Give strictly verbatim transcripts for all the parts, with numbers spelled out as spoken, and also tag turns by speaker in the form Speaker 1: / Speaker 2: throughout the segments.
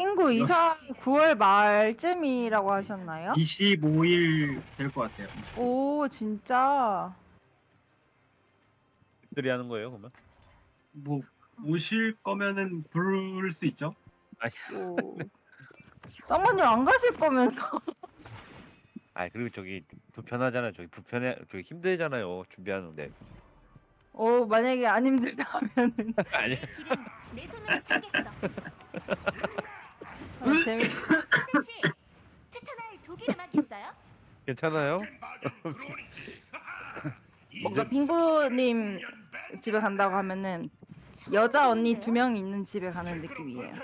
Speaker 1: 핑구 이사 구월 말쯤이라고 하셨나요?
Speaker 2: 이십오 일 될 것 같아요.
Speaker 1: 오 진짜.
Speaker 3: 들이 하는 거예요 그러면?
Speaker 2: 뭐 오실 거면은 부를 수 있죠.
Speaker 3: 아니,
Speaker 1: 오. 쌍마님 안 가실 거면서.
Speaker 3: 아 그리고 저기 불편하잖아요. 저기 불편해, 저기 힘들잖아요. 준비하는데.
Speaker 1: 오 만약에 안 힘들다 하면은.
Speaker 3: 아니,
Speaker 4: 길은 내 손으로 챙겼어.
Speaker 1: 아, 재밌.
Speaker 4: 차차 씨, 추천할 독일 음악 있어요?
Speaker 3: 괜찮아요?
Speaker 1: 뭔가 핑구님 집에 간다고 하면은 여자 언니 두 명 있는 집에 가는 느낌이에요.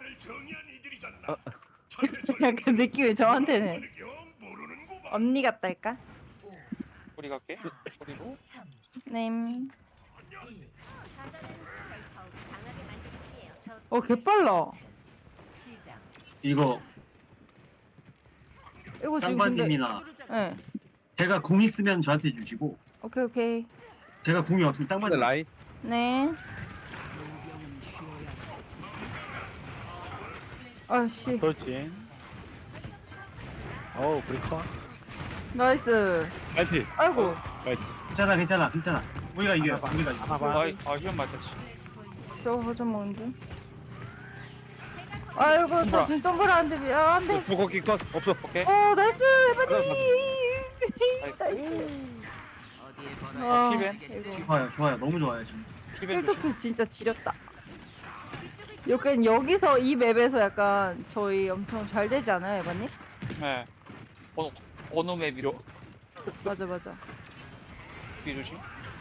Speaker 1: 약간 느낌이 저한테는 언니 같달까?
Speaker 5: 우리 갈게. 우리로.
Speaker 1: 네.
Speaker 4: 사자는 절 더욱 강하게 만들기예요.
Speaker 1: 어 개빨라.
Speaker 2: 이거
Speaker 1: 이거 지금 근데.
Speaker 2: 쌍바님이나
Speaker 1: 네.
Speaker 2: 제가 궁 있으면 저한테 주시고
Speaker 1: 오케이 오케이.
Speaker 2: 제가 궁이 없으면
Speaker 3: 근데
Speaker 2: 쌍바님.
Speaker 3: 라인
Speaker 1: 네. 아씨.
Speaker 6: 그렇지. 어우 브리커.
Speaker 1: 나이스.
Speaker 3: 라이피.
Speaker 1: 아이고.
Speaker 2: 괜찮아 괜찮아 괜찮아. 우리가 이겨요. 우리가 이겨.
Speaker 6: 하나봐.
Speaker 5: 아이, 아, 휘연 맞았지.
Speaker 1: 저거 거좀 먹는 중. 아이고 저 지금 동그라 안 돼. 아, 안 돼.
Speaker 3: 포커 킥컷 없어.
Speaker 5: 오케이.
Speaker 1: 어 나이스 해바디.
Speaker 5: 나이스.
Speaker 1: 와,
Speaker 5: 힐벤?
Speaker 1: 이거.
Speaker 2: 좋아요 좋아요 너무 좋아요 지금.
Speaker 5: 힐벤 조심.
Speaker 1: 힐토키 진짜 지렸다. 약간 여기서 이 맵에서 약간 저희 엄청 잘 되지 않아요, 에바님?
Speaker 5: 네. 어느, 어느 맵이로?
Speaker 1: 맞아 맞아.
Speaker 5: 뒤 조심.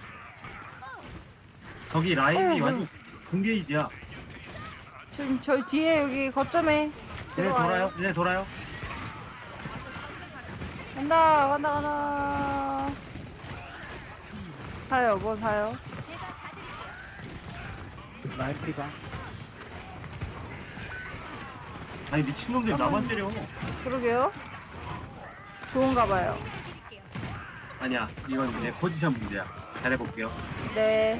Speaker 2: 저기 라인이
Speaker 1: 어,
Speaker 2: 완전 궁게이지야.
Speaker 1: 지금 저희 뒤에 여기 거점에
Speaker 2: 얘네
Speaker 1: 들어와요.
Speaker 2: 돌아요. 얘네 돌아요.
Speaker 1: 간다 간다 간다. 사요 뭐 사요?
Speaker 6: 라인 피가.
Speaker 2: 아니 미친놈들 나만 때려.
Speaker 1: 그러게요. 좋은가 봐요.
Speaker 2: 아니야 이건 내 포지션 문제야. 잘해볼게요.
Speaker 1: 네.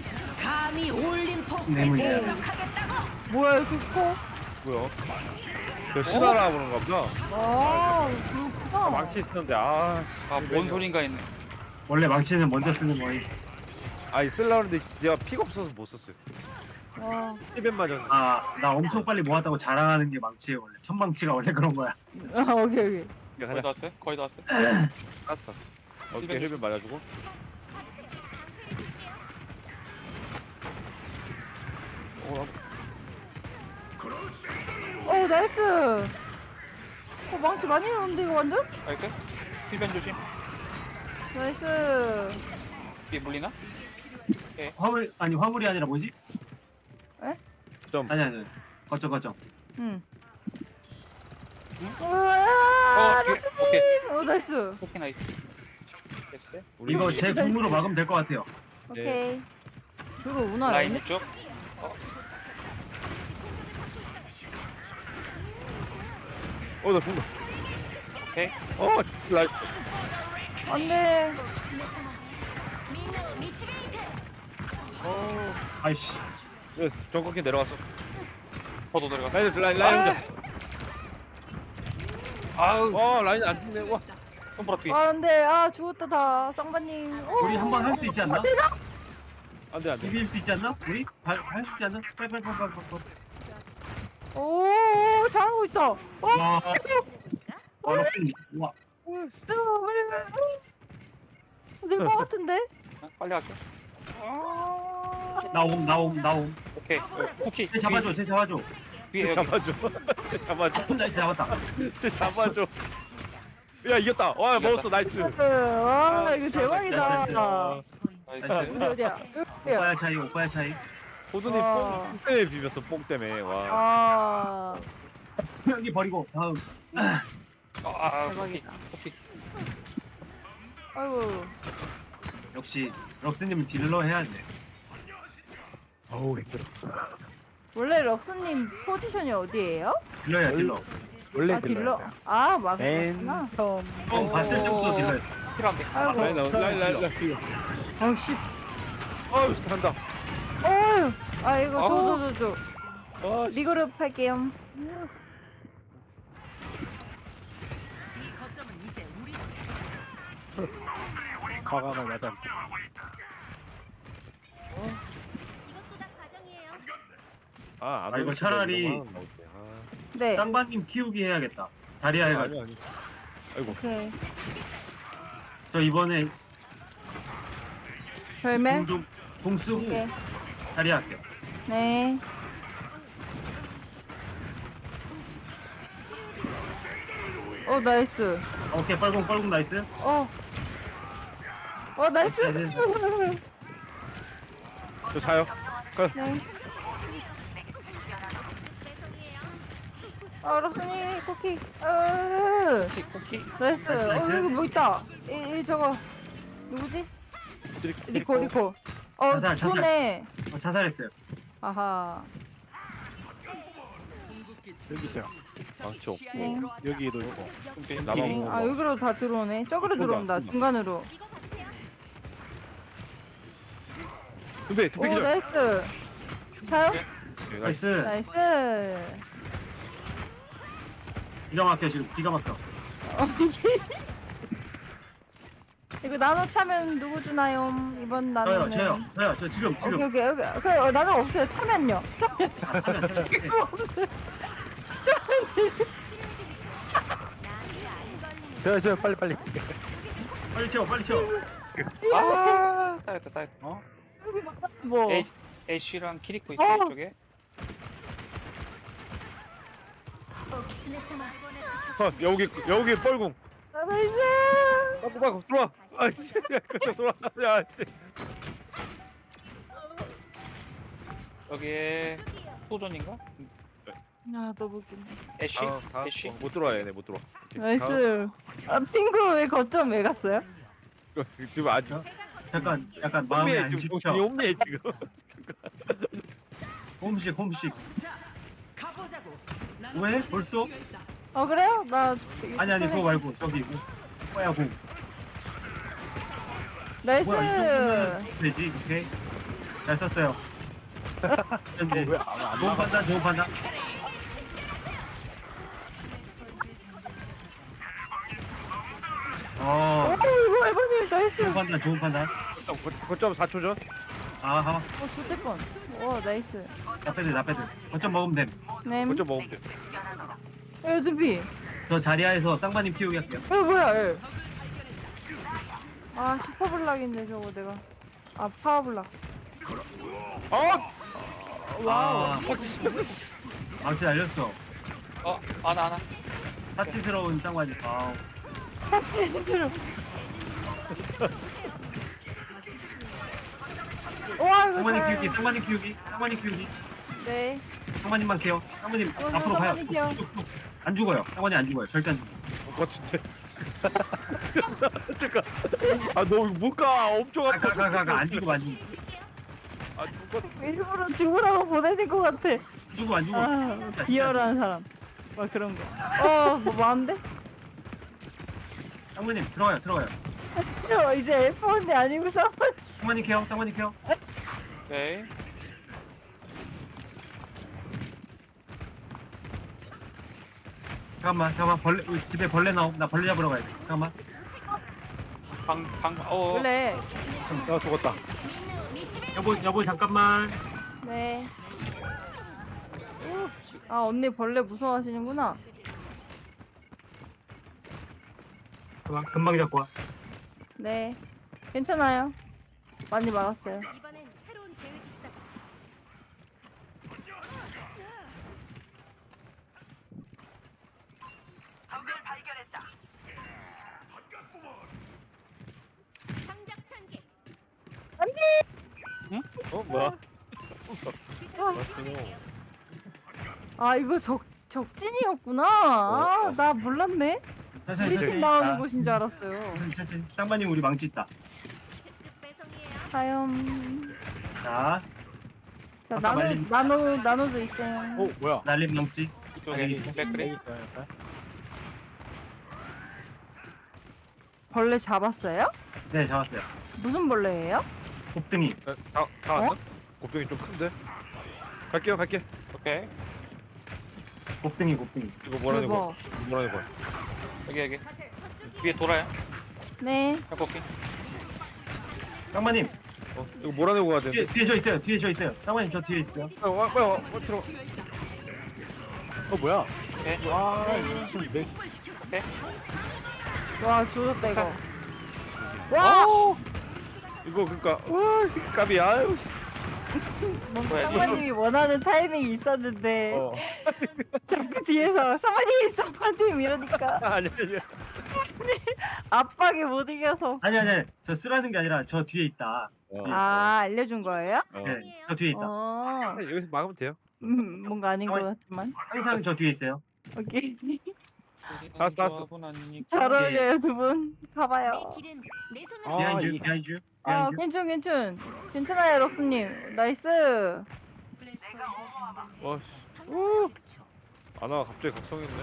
Speaker 2: 내 문제야.
Speaker 1: 뭐야 이거 커?
Speaker 3: 뭐야? 저 신하라 보는가 보다.
Speaker 1: 아 그렇구나.
Speaker 3: 망치 쓰는데 아,
Speaker 5: 아, 뭔 소린가 했네.
Speaker 2: 원래 망치는 먼저 쓰는 거임.
Speaker 3: 아이 쓸라는데 내가 피가 없어서 못 썼어요.
Speaker 1: 와.
Speaker 3: 힐벤 맞았네.
Speaker 2: 아나 엄청 빨리 모았다고 자랑하는 게 망치예요 원래. 첫 망치가 원래 그런 거야.
Speaker 1: 아 오케이 오케이.
Speaker 3: 야,
Speaker 5: 거의
Speaker 3: 가자.
Speaker 5: 다 왔어요? 거의 다 왔어요?
Speaker 3: 깠어. 어깨
Speaker 5: 힐벤
Speaker 3: 힐벤 맞아주고. 어,
Speaker 1: 어 나이스. 어 망치 많이 나오는데 이거 완전?
Speaker 5: 나이스? 힐벤 조심.
Speaker 1: 나이스.
Speaker 5: 뒤에 물리나?
Speaker 2: 화물 아니 화물이 아니라 뭐지?
Speaker 3: 점.
Speaker 2: 아니 아니 거점 거점.
Speaker 1: 응.
Speaker 5: 어,
Speaker 1: 어,
Speaker 5: 뒤에. 오케이.
Speaker 1: 어, 나이스.
Speaker 5: 오케이, 나이스. 됐어요?
Speaker 3: 우리
Speaker 2: 이거 제 궁으로 막으면 될 것 같아요.
Speaker 1: 오케이. 들어오나?
Speaker 5: 라인
Speaker 1: 얘네?
Speaker 5: 쭉.
Speaker 3: 어, 나 죽는다.
Speaker 5: 오케이.
Speaker 3: 어, 라인.
Speaker 1: 안 돼.
Speaker 4: 민우 미치게이트.
Speaker 2: 아이씨.
Speaker 3: 예, 정확히 내려갔어.
Speaker 5: 저도 들어갔어.
Speaker 3: 라인, 라인, 라인.
Speaker 5: 아우,
Speaker 3: 어, 라인 안 죽네. 와.
Speaker 5: 손보라 뒤에.
Speaker 1: 아, 안 돼. 아, 죽었다, 다. 쌍바님. 오,
Speaker 2: 우리 한 번 할 수 있지 않나?
Speaker 3: 안 돼, 안 돼.
Speaker 2: 이길 수 있지 않나? 우리 할 수 있지 않나? 빨리 빨리 빨리 빨리 빨리.
Speaker 1: 오, 잘하고 있다. 오,
Speaker 2: 와. 와 럭스. 와.
Speaker 1: 빨리, 빨리. 될것 같은데?
Speaker 5: 어, 빨리 할게.
Speaker 1: 아,
Speaker 2: 나옴 나옴 나옴.
Speaker 5: 오케이. 어, 쿠키.
Speaker 2: 쟤 잡아줘 쟤 잡아줘.
Speaker 5: 뒤에 여기.
Speaker 3: 잡아줘. 쟤 잡아줘.
Speaker 2: 나이스 잡았다.
Speaker 3: 쟤 잡아줘. 야, 이겼다. 와, 먹었어. 나이스.
Speaker 1: 와, 이거 대박이다.
Speaker 5: 나이스.
Speaker 1: 어디, 어디야? 여기야.
Speaker 2: 오빠야 차이 오빠야 차이.
Speaker 3: 호두님
Speaker 1: 와.
Speaker 3: 뽕 때문에 비볐어. 뽕 때문에. 와.
Speaker 1: 아,
Speaker 2: 여기 버리고 다음.
Speaker 5: 아, 쿠키.
Speaker 1: 대박이다.
Speaker 5: 쿠키.
Speaker 1: 아이고.
Speaker 2: 역시 럭스님은 딜러 해야 돼.
Speaker 6: 어우 힘들어.
Speaker 1: 원래 럭스님 포지션이 어디예요?
Speaker 2: 딜러야 딜러.
Speaker 6: 원래
Speaker 1: 아, 딜러.
Speaker 6: 딜러.
Speaker 1: 아,
Speaker 6: 맨
Speaker 1: 맞구나.
Speaker 6: 처음.
Speaker 2: 처음 봤을 때부터 딜러였어.
Speaker 5: 필요한데.
Speaker 1: 아이고.
Speaker 3: 라인, 나온- 라인, 라인, 라인.
Speaker 1: 어, 씨.
Speaker 3: 어우, 잘한다.
Speaker 1: 어휴. 아, 이거
Speaker 5: 아우.
Speaker 1: 저, 저, 저, 저.
Speaker 3: 아, 씨.
Speaker 1: 리그룹 할게요.
Speaker 6: 과감을 맞아.
Speaker 4: 이것도 다 과정이에요.
Speaker 3: 아안
Speaker 2: 아, 이거 차라리-
Speaker 1: 네.
Speaker 2: 쌍바님 키우기 해야겠다. 자리야
Speaker 3: 아니
Speaker 2: 해가지고.
Speaker 3: 아니. 아이고.
Speaker 1: 오케이.
Speaker 2: 저 이번에
Speaker 1: 절매.
Speaker 2: 공 좀 공 쓰고
Speaker 1: 오케이.
Speaker 2: 자리 할게요.
Speaker 1: 네. 어 나이스.
Speaker 2: 오케이 뻘공 뻘공 나이스.
Speaker 1: 어. 어 나이스.
Speaker 2: 네,
Speaker 3: 저 자요.
Speaker 1: 네. 아 럽슨이 쿠키. 어.
Speaker 5: 쿠키 쿠키.
Speaker 1: 나이스. 어 여기 뭐 있다. 이, 이 저거 누구지? 리코 리코. 어
Speaker 2: 자살, 자살.
Speaker 1: 좋네.
Speaker 2: 어, 자살했어요.
Speaker 1: 아하.
Speaker 6: 여기 있어요.
Speaker 3: 망치 없고.
Speaker 1: 네.
Speaker 6: 여기도 있고.
Speaker 3: 나만
Speaker 1: 네.
Speaker 3: 먹어.
Speaker 1: 아 여기로 다 들어오네. 저기로
Speaker 3: 쏜다,
Speaker 1: 들어온다.
Speaker 3: 쏜다.
Speaker 1: 중간으로.
Speaker 4: 이거 받으세요.
Speaker 3: 두배 두배
Speaker 1: 오
Speaker 3: 기절.
Speaker 1: 나이스. 자요?
Speaker 3: 네,
Speaker 2: 나이스.
Speaker 3: 나이스.
Speaker 1: 나이스.
Speaker 2: 기가 막혀 지금 기가 막혀.
Speaker 1: 어, 이거 나노 차면 누구 주나요? 이번
Speaker 2: 저요
Speaker 1: 나노는.
Speaker 2: 저요 저요 저 지금
Speaker 1: 오케이
Speaker 2: 지금.
Speaker 1: 오케이 오케이. 그 어, 나노 없어요. 차면요.
Speaker 2: 아, 타면, 타면. 네.
Speaker 6: 저, 저, 빨리, 빨리.
Speaker 2: 빨리 채워 빨리 채워.
Speaker 5: 아 따였다 따였다.
Speaker 6: 어?
Speaker 1: 뭐?
Speaker 5: 애 애쉬랑 키리코 있어
Speaker 1: 어.
Speaker 5: 이쪽에.
Speaker 4: 오키스네스마.
Speaker 3: 어, 여기 여기 뻘궁.
Speaker 1: 아, 나이스.
Speaker 3: 빠꾸 빠꾸 들어와. 아이씨. 그때 들어와. 야 씨.
Speaker 5: 여기에 소전인가?
Speaker 1: 아 너무 웃긴다.
Speaker 5: 애쉬
Speaker 3: 다음, 다음.
Speaker 5: 애쉬.
Speaker 3: 어, 못 들어와 얘네 못 들어와. 오케이, 다음.
Speaker 1: 나이스. 아 핑구 왜 거점 왜 갔어요?
Speaker 3: 이거 지금 아직
Speaker 2: 약간 약간 마음이 안
Speaker 3: 지금
Speaker 2: 식혀.
Speaker 3: 정신이 없네 지금.
Speaker 2: 홈식 홈식. 왜 벌써?
Speaker 1: 어 그래요? 나
Speaker 2: 아니 아니 그거 말고 저기 뭐, 뭐야 공.
Speaker 1: 나이스.
Speaker 2: 뭐야 이 정도면 되지 오케이. 잘 썼어요. 현재
Speaker 6: 왜, 안, 안
Speaker 2: 좋은 판단 좋은 판단. 어
Speaker 1: 오 이거 에버님 나이스.
Speaker 2: 좋은 판단 좋은 판단.
Speaker 3: 거점 사 초 전.
Speaker 2: 아하
Speaker 1: 어 좋대 뻔. 오 나이스.
Speaker 2: 나 빼들 나 빼들. 거점 먹으면 됨.
Speaker 1: 네.
Speaker 3: 거점 먹으면 돼.
Speaker 1: 에 준비.
Speaker 2: 저 자리야에서 쌍바님 키우기 할게요.
Speaker 1: 어 뭐야? 에. 아 슈퍼블락인데 저거 내가. 아 파워블락.
Speaker 3: 어?
Speaker 2: 와 망치 날렸어.
Speaker 5: 어 하나 하나.
Speaker 2: 사치스러운 쌍바님. 아
Speaker 1: 진짜로. 와 이거
Speaker 2: 쌍바님
Speaker 1: 잘-
Speaker 2: 키우기 쌍바님 키우기 쌍바님 키우기.
Speaker 1: 네.
Speaker 2: 쌍바님만 케어. 쌍바님
Speaker 1: 어,
Speaker 2: 앞으로 가요.
Speaker 1: 쌍바님 케어.
Speaker 2: 뚝뚝뚝. 안 죽어요. 쌍바님 안 죽어요. 절대 안 죽어요.
Speaker 3: 어 진짜. 잠깐. 아너 못 가. 엄청 아파.
Speaker 2: 가가가가 안 죽어 안 죽어.
Speaker 3: 아 죽었.
Speaker 1: 일부러 죽으라고 보내는 것 같아.
Speaker 2: 죽어 안 죽어.
Speaker 1: 아 비열한 사람. 막 그런 거. 어, 뭐 많은데?
Speaker 2: 쌍바님 들어가요 들어가요.
Speaker 1: 저 이제 에프 원이 아니고서.
Speaker 2: 쌍바님 케어 쌍바님 케어.
Speaker 5: 오케이.
Speaker 2: 잠깐만 잠깐만 벌레 우리 집에 벌레 나옴. 나 벌레 잡으러 가야 돼. 잠깐만.
Speaker 5: 방방 어.
Speaker 1: 원래.
Speaker 3: 아 죽었다.
Speaker 2: 여보 여보 잠깐만.
Speaker 1: 네. 오, 아 언니 벌레 무서워하시는구나.
Speaker 2: 금방 금방 잡고 와.
Speaker 1: 네. 괜찮아요. 많이 막았어요.
Speaker 4: 이번엔 새로운 계획이 있다. 장작 찬개.
Speaker 3: 어 뭐야?
Speaker 1: 아,
Speaker 3: 맞어.
Speaker 1: 아 이거 적 적진이었구나. 아, 나 몰랐네.
Speaker 2: 천천히
Speaker 1: 우리 집
Speaker 2: 천천히.
Speaker 1: 나오는
Speaker 2: 아,
Speaker 1: 곳인 줄 알았어요.
Speaker 2: 천천히 천천히. 쌍바님 우리 망치 있다.
Speaker 4: 특급 배송이에요.
Speaker 1: 다음.
Speaker 2: 자
Speaker 1: 자
Speaker 2: 아까
Speaker 1: 나노
Speaker 2: 말린-
Speaker 1: 나노 나노도 있어요.
Speaker 6: 오, 뭐야?
Speaker 2: 날림 망치.
Speaker 5: 이쪽에
Speaker 2: 아니,
Speaker 6: 여기
Speaker 5: 백그리.
Speaker 6: 있어요, 옆에.
Speaker 1: 벌레 잡았어요?
Speaker 2: 네 잡았어요.
Speaker 1: 무슨 벌레예요?
Speaker 2: 곱등이.
Speaker 3: 다, 다 왔어? 곱종이 좀 큰데? 갈게요 갈게.
Speaker 5: 오케이.
Speaker 2: 곱등이 곱등이.
Speaker 3: 이거 뭐라는 거야?
Speaker 1: 대박.
Speaker 3: 뭐라는 거야?
Speaker 5: 여기 여기. 위에 돌아요.
Speaker 1: 네.
Speaker 5: 벽꺾기.
Speaker 2: 쌍마님
Speaker 3: 어, 이거 몰아내고 가야
Speaker 2: 뒤에
Speaker 3: 되는데.
Speaker 2: 뒤에 저 있어요. 뒤에 저 있어요. 쌍마님 저 뒤에 있어요.
Speaker 3: 어, 와, 와, 와, 와, 들어.
Speaker 6: 어 뭐야?
Speaker 5: 오케이.
Speaker 6: 와 이거 왜?
Speaker 1: 와 죽었다 이거. 와.
Speaker 3: 이거 그러니까 와, 씨, 까비. 아유. 씨.
Speaker 1: 뭔가
Speaker 5: 왜?
Speaker 1: 상관님이 원하는 타이밍이 있었는데
Speaker 3: 어.
Speaker 1: 자꾸 뒤에서 상관님 상관님 이러니까
Speaker 3: 아니 아니.
Speaker 1: 압박에 못 이겨서.
Speaker 2: 아니 아니 아니. 저 쓰라는 게 아니라 저 뒤에 있다.
Speaker 3: 어.
Speaker 1: 아 알려준 거예요?
Speaker 3: 어.
Speaker 2: 네, 저 뒤에 있다.
Speaker 1: 어.
Speaker 3: 여기서 막으면 돼요.
Speaker 1: 음, 뭔가 아닌 것 같지만.
Speaker 2: 항상 저 뒤에 있어요.
Speaker 1: 오케이.
Speaker 3: 알았어, 알았어.
Speaker 5: 조합은 아니니까.
Speaker 1: 잘 어울려요 두 분. 가봐요.
Speaker 4: 내 길은 내 손으로
Speaker 6: 아,
Speaker 2: 비하인드
Speaker 6: 이-
Speaker 2: 비하인드
Speaker 1: 아
Speaker 2: 비하인드.
Speaker 1: 괜찮 괜찮. 괜찮아요 럭스님. 나이스.
Speaker 3: 와, 씨. 우. 아나가 갑자기 각성했네.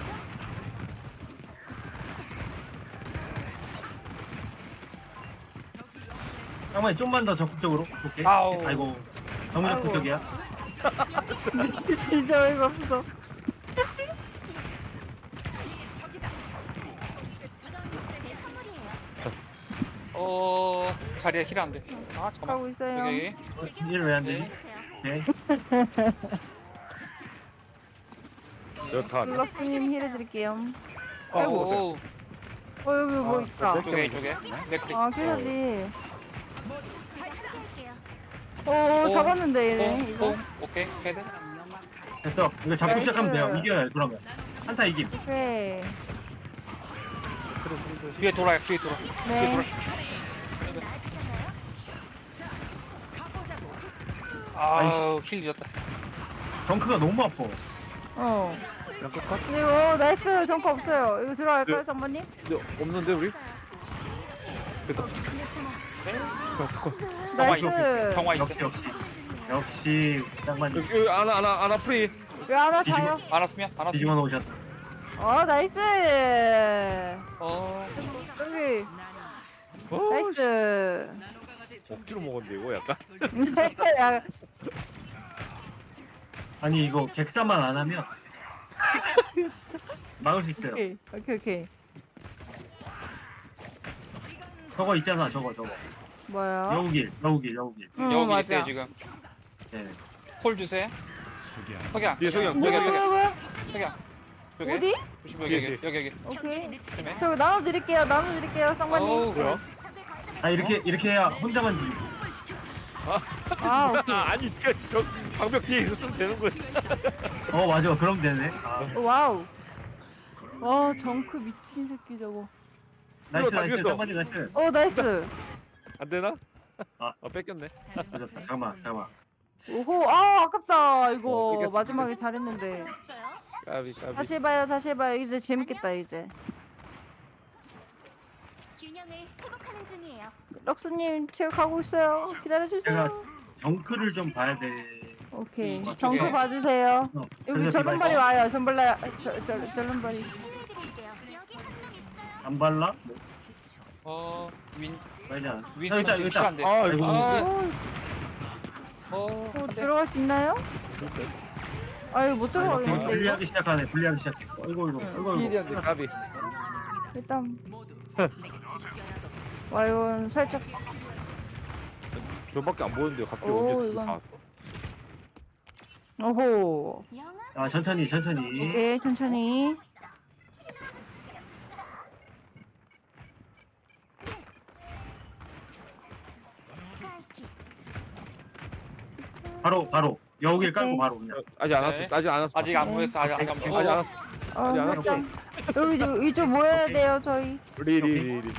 Speaker 2: 쌍마님 좀만 더 적극적으로. 오케이.
Speaker 5: 아우.
Speaker 2: 아이고 너무
Speaker 1: 아이고.
Speaker 2: 적극적이야.
Speaker 1: 진짜 어이가 없어.
Speaker 4: 제 선물이에요.
Speaker 5: 어 자리에 힐 안 돼. 아 잠깐만.
Speaker 1: 하고 있어요.
Speaker 5: 여기 여기.
Speaker 2: 일 왜 안
Speaker 5: 네.
Speaker 2: 되지? 오케이.
Speaker 3: 여타.
Speaker 1: 럭스님 힐 해드릴게요.
Speaker 3: 어,
Speaker 1: 아이고.
Speaker 5: 오.
Speaker 1: 어 여기 뭐
Speaker 6: 아,
Speaker 1: 있다.
Speaker 5: 이쪽에 이쪽에. 맥크리.
Speaker 1: 아 캐서디.
Speaker 4: 제가 소개할게요.
Speaker 1: 오
Speaker 5: 오.
Speaker 1: 잡았는데 얘네
Speaker 5: 오,
Speaker 1: 이거.
Speaker 5: 오, 오케이 헤드.
Speaker 2: 됐어. 이거 잡고
Speaker 1: 나이스.
Speaker 2: 시작하면 돼요. 이겨요. 그러면 한타 이김.
Speaker 1: 오케이.
Speaker 5: 뒤에 돌아요. 뒤에 돌아. 뒤에
Speaker 1: 네.
Speaker 5: 돌아.
Speaker 4: 나아지셨나요?
Speaker 5: 아우 힐 잃었다.
Speaker 2: 덩크가 너무 아파.
Speaker 1: 어.
Speaker 6: 양쪽 컷?
Speaker 1: 이거 나이스 정커 없어요. 이거 들어갈까요 장모님?
Speaker 3: 근데 없는데 우리?
Speaker 6: 양쪽 컷.
Speaker 5: 정화
Speaker 1: 나이스.
Speaker 5: 있어. 정화 있어.
Speaker 2: 역시 역시 역시 쌍마님
Speaker 3: 여기 여기 아나 아나 아나 프리.
Speaker 1: 왜 하나 차요?
Speaker 5: 알았으면 알았으면.
Speaker 2: 뒤집어 놓으셨다.
Speaker 1: 어 나이스.
Speaker 5: 어.
Speaker 1: 여기
Speaker 3: 어,
Speaker 1: 나이스.
Speaker 3: 억지로 먹었는데 이거 약간.
Speaker 1: 야,
Speaker 2: 아니 이거 객사만 안 하면 막을 수 있어요.
Speaker 1: 오케이 오케이 오케이.
Speaker 2: 저거 있잖아. 저거 저거.
Speaker 1: 뭐야?
Speaker 2: 여우길 여우길 여우길.
Speaker 1: 응
Speaker 5: 여기
Speaker 1: 맞아.
Speaker 5: 있어요 지금.
Speaker 2: 네.
Speaker 5: 콜 주세요. 석양.
Speaker 3: 뒤에 석양.
Speaker 1: 뭐야
Speaker 5: 석양 석양.
Speaker 1: 뭐야 뭐야?
Speaker 5: 석양. 여기.
Speaker 1: 어디?
Speaker 5: 조심 여기 여기 여기 여기.
Speaker 1: 오케이.
Speaker 5: 조심해.
Speaker 1: 저 나눠드릴게요 나눠드릴게요 쌍관님.
Speaker 5: 어우.
Speaker 3: 뭐야?
Speaker 2: 아 이렇게 이렇게 해야 혼자만 지고.
Speaker 1: 아 오케이.
Speaker 3: 아니 그 저 방벽 뒤에 있었으면 되는 거야.
Speaker 2: 어 맞아. 그럼 되네. 아,
Speaker 1: 와우. 와 정크 미친 새끼 저거.
Speaker 2: 나이스
Speaker 3: 다
Speaker 2: 나이스.
Speaker 3: 죽였어.
Speaker 2: 쌍마님 나이스.
Speaker 1: 어 나이스.
Speaker 3: 안 되나?
Speaker 2: 아.
Speaker 3: 아 뺏겼네.
Speaker 2: 맞았다. 잠깐만 잠깐만.
Speaker 1: 오호 아 아깝다
Speaker 3: 어,
Speaker 1: 이거
Speaker 3: 이겼어,
Speaker 1: 마지막에 잘했는데.
Speaker 4: 했어요?
Speaker 3: 까비 까비.
Speaker 1: 다시 해봐요 다시 해봐요 이제 재밌겠다 이제.
Speaker 4: 균형을 회복하는 중이에요.
Speaker 1: 럭스님 체육하고 있어요. 기다려주세요.
Speaker 2: 제가 정크를 좀 봐야 돼.
Speaker 1: 오케이.
Speaker 5: 음,
Speaker 1: 정크
Speaker 5: 이쪽에.
Speaker 1: 봐주세요.
Speaker 2: 어,
Speaker 1: 여기
Speaker 2: 그래서
Speaker 1: 절름발이
Speaker 2: 디바이스
Speaker 1: 와요. 절름발이 저, 저, 절름발이.
Speaker 4: 치료해드릴게요. 여기 한 명 있어요.
Speaker 2: 안 발라?
Speaker 5: 어. 윈.
Speaker 2: 말지 않아.
Speaker 5: 윈스턴
Speaker 2: 여기다
Speaker 5: 지금
Speaker 2: 여기다.
Speaker 5: 킬안 돼.
Speaker 3: 아 이거.
Speaker 5: 아.
Speaker 1: 오,
Speaker 5: 어.
Speaker 1: 어,
Speaker 5: 안 돼.
Speaker 1: 들어갈 수 있나요? 아 이거 못 들어가겠는데 이거.
Speaker 2: 분리하기 시작하네. 분리하기 시작. 어이구 이거. 어이구 이거.
Speaker 3: 힐이 안 돼. 까비.
Speaker 1: 일단. 와 이건 살짝.
Speaker 3: 저밖에 안 보는데 갑자기
Speaker 1: 오,
Speaker 3: 언제
Speaker 1: 이건-
Speaker 3: 다.
Speaker 1: 오호.
Speaker 4: 영아
Speaker 2: 아 천천히 천천히.
Speaker 1: 오케이 천천히.
Speaker 4: 스카이킥.
Speaker 2: 바로 바로 여우길 깔고
Speaker 1: 오케이.
Speaker 2: 바로 그냥.
Speaker 3: 아직 안 왔어.
Speaker 5: 네.
Speaker 3: 아직 안 왔어.
Speaker 5: 아직 안 모였어. 아직 아직 안
Speaker 3: 아직
Speaker 5: 모였어.
Speaker 3: 안 왔어.
Speaker 1: 어
Speaker 3: 아직 안
Speaker 1: 살짝. 여기 좀 이쪽 모여야
Speaker 2: 오케이.
Speaker 1: 돼요 저희.
Speaker 3: 리리리리.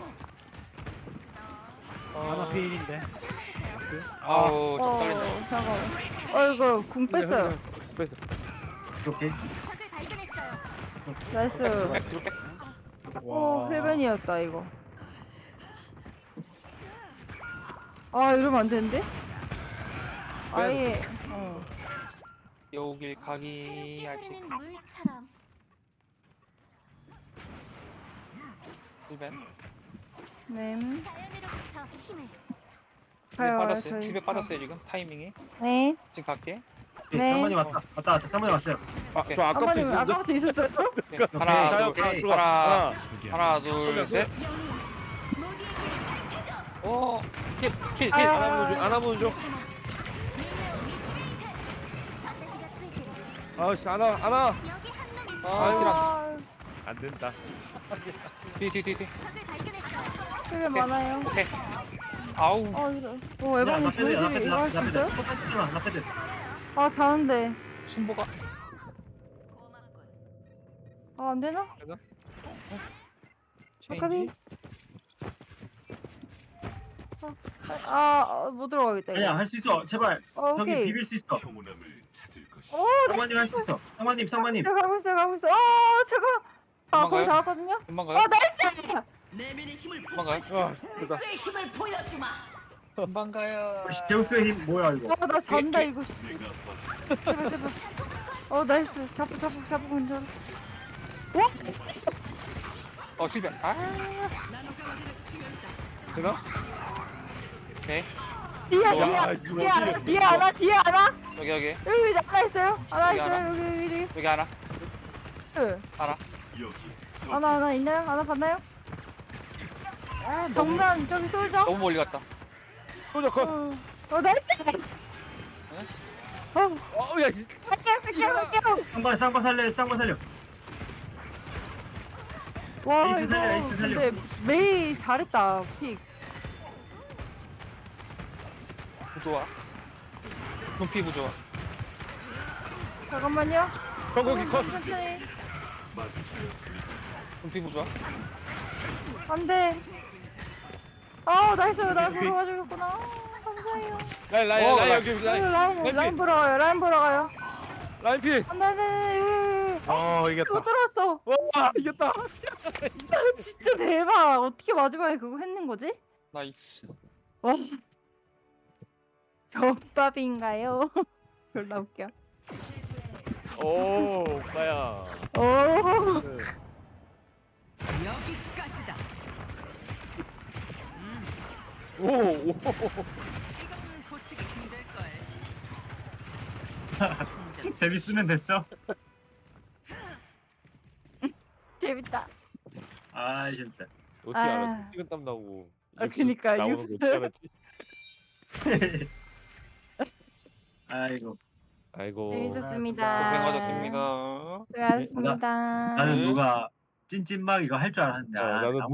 Speaker 6: 하나 피일인데.
Speaker 5: 아우
Speaker 1: 어
Speaker 5: 적당했네.
Speaker 1: 잠깐만. 어 이거 궁 뺐어요.
Speaker 3: 뺐어.
Speaker 2: 오케이.
Speaker 4: 적을 발견했어요.
Speaker 1: 나이스.
Speaker 5: 백 뒤로 백.
Speaker 1: 오 필벤이었다 이거. 아 이러면 안 되는데? 아예 어.
Speaker 5: 여길 가기 아직
Speaker 4: 흐르는 물처럼.
Speaker 5: 일벤.
Speaker 1: 네.
Speaker 4: 자연으로부터 힘을.
Speaker 1: 가요
Speaker 5: 빠졌어요.
Speaker 1: 저희.
Speaker 5: 힐백 빠졌어요 지금 타이밍이.
Speaker 1: 네.
Speaker 5: 지금 갈게.
Speaker 1: 네.
Speaker 2: 상만이 왔다. 왔다 왔다. 상만이 왔어요.
Speaker 5: 오케이.
Speaker 3: 저 아까부터
Speaker 1: 아버님
Speaker 3: 있었는데.
Speaker 1: 아까부터 있었어요?
Speaker 5: 오케이. 하나
Speaker 2: 오케이.
Speaker 5: 둘
Speaker 2: 오케이.
Speaker 5: 하나
Speaker 3: 하나.
Speaker 5: 하나 둘 셋.
Speaker 4: 영웅
Speaker 5: 어, 킬, 킬, 킬.
Speaker 1: 아유.
Speaker 3: 안 하면 줘. 안 하면 줘. 아씨 안 와. 안 와.
Speaker 5: 아, 킬 안.
Speaker 1: 아,
Speaker 3: 안 된다.
Speaker 5: 뒤, 뒤, 뒤, 뒤.
Speaker 1: 되게 많아요.
Speaker 5: 오케이. 아우.
Speaker 1: 어, 이거. 어,
Speaker 2: 야,
Speaker 1: 에반이
Speaker 2: 나 패드, 나
Speaker 1: 저기
Speaker 2: 패드,
Speaker 1: 이거
Speaker 2: 나
Speaker 1: 할 수
Speaker 2: 패드.
Speaker 1: 있어요?
Speaker 2: 똑같이 마, 나 패드.
Speaker 1: 아, 자는데.
Speaker 5: 순보가.
Speaker 1: 아, 안 되나?
Speaker 5: 체인지.
Speaker 1: 아, 아, 못 들어가겠다. 이거.
Speaker 2: 아니야, 할 수 있어. 제발.
Speaker 1: 어,
Speaker 2: 저기
Speaker 1: 오케이.
Speaker 2: 비빌 수 있어.
Speaker 1: 오,
Speaker 2: 상마님 할 수 있어. 상마님, 상마님.
Speaker 1: 제가 가고 있어요, 가고 있어요. 아, 제가. 아,
Speaker 5: 금방
Speaker 1: 거기
Speaker 5: 가요?
Speaker 1: 잡았거든요.
Speaker 5: 금방
Speaker 1: 아,
Speaker 5: 가요?
Speaker 1: 나이스!
Speaker 5: 금방 가요?
Speaker 3: 아 됐다.
Speaker 5: 금방 가요.
Speaker 2: 우리 제우스의 힘 뭐야 이거?
Speaker 1: 아, 나 잔다, 이거. 씨. 제발, 제발. 어, 나이스. 잡고, 잡고, 잡고, 근처. 와!
Speaker 5: 어, 실패. 아.
Speaker 3: 되나?
Speaker 5: 오케이.
Speaker 1: 뒤에,
Speaker 5: 좋아.
Speaker 1: 뒤에,
Speaker 3: 아,
Speaker 1: 뒤에,
Speaker 3: 이거
Speaker 1: 하나,
Speaker 3: 어디에
Speaker 1: 뒤에 하나, 뒤에 하나.
Speaker 5: 여기, 여기.
Speaker 1: 여기 하나 있어요. 하나
Speaker 5: 여기
Speaker 1: 있어요.
Speaker 5: 하나?
Speaker 1: 여기, 여기, 여기.
Speaker 5: 여기 하나.
Speaker 1: 응.
Speaker 5: 하나.
Speaker 1: 하나, 하나 있나요? 하나 봤나요?
Speaker 5: 아, 너무,
Speaker 1: 정면, 저기 쏠죠?
Speaker 5: 너무 멀리 갔다.
Speaker 3: 소자 컷.
Speaker 1: 어, 어, 나이스! 어,
Speaker 3: 어야 씨.
Speaker 1: 갈게요, 갈게요, 갈게요.
Speaker 2: 쌍바, 쌍바 살려, 쌍바 살려.
Speaker 1: 와,
Speaker 2: 에이스 살려,
Speaker 1: 이거
Speaker 2: 에이스 살려.
Speaker 1: 근데 메이 잘했다, 픽.
Speaker 5: 부조화. 눈피 부조화.
Speaker 1: 잠깐만요.
Speaker 3: 거기 컷.
Speaker 1: 천천히.
Speaker 5: 눈피 부조화.
Speaker 1: 안 돼. 아, 나이스, 나 보러 가주겠구나. 아, 감사해요.
Speaker 3: 라인 라인
Speaker 5: 어,
Speaker 3: 라인
Speaker 5: 라인.
Speaker 3: 여기
Speaker 1: 라인,
Speaker 3: 라인.
Speaker 1: 라인,
Speaker 3: 라인
Speaker 1: 라인 보러 가요, 라인 보러 가요.
Speaker 3: 라인 피.
Speaker 1: 안 돼, 안 돼, 안 돼, 여기, 여기.
Speaker 3: 어 이겼다.
Speaker 1: 못 들어왔어.
Speaker 3: 와 이겼다.
Speaker 1: 진짜 대박. 어떻게 마지막에 그거 했는 거지?
Speaker 5: 나이스.
Speaker 1: 와. 접밥인가요? 졸라 웃겨.
Speaker 3: 오 오빠야.
Speaker 1: 오.
Speaker 3: 오 오.
Speaker 2: 재밌으면 됐어.
Speaker 1: 재밌다.
Speaker 2: 아, 진짜.
Speaker 3: 어떻게
Speaker 1: 아.
Speaker 3: 알았지? 식은땀 나고.
Speaker 1: 아,
Speaker 3: 육수
Speaker 1: 그니까,
Speaker 3: 나오는 거
Speaker 1: 육수.
Speaker 3: 어떻게 알았지?
Speaker 2: 아이고.
Speaker 3: 아이고.
Speaker 1: 재밌었습니다.
Speaker 5: 고생하셨습니다.
Speaker 1: 수고하셨습니다.
Speaker 2: 나는 누가 찐찐막 이거 할 줄 알았는데.
Speaker 3: 어,
Speaker 2: 아,
Speaker 3: 나도
Speaker 2: 아무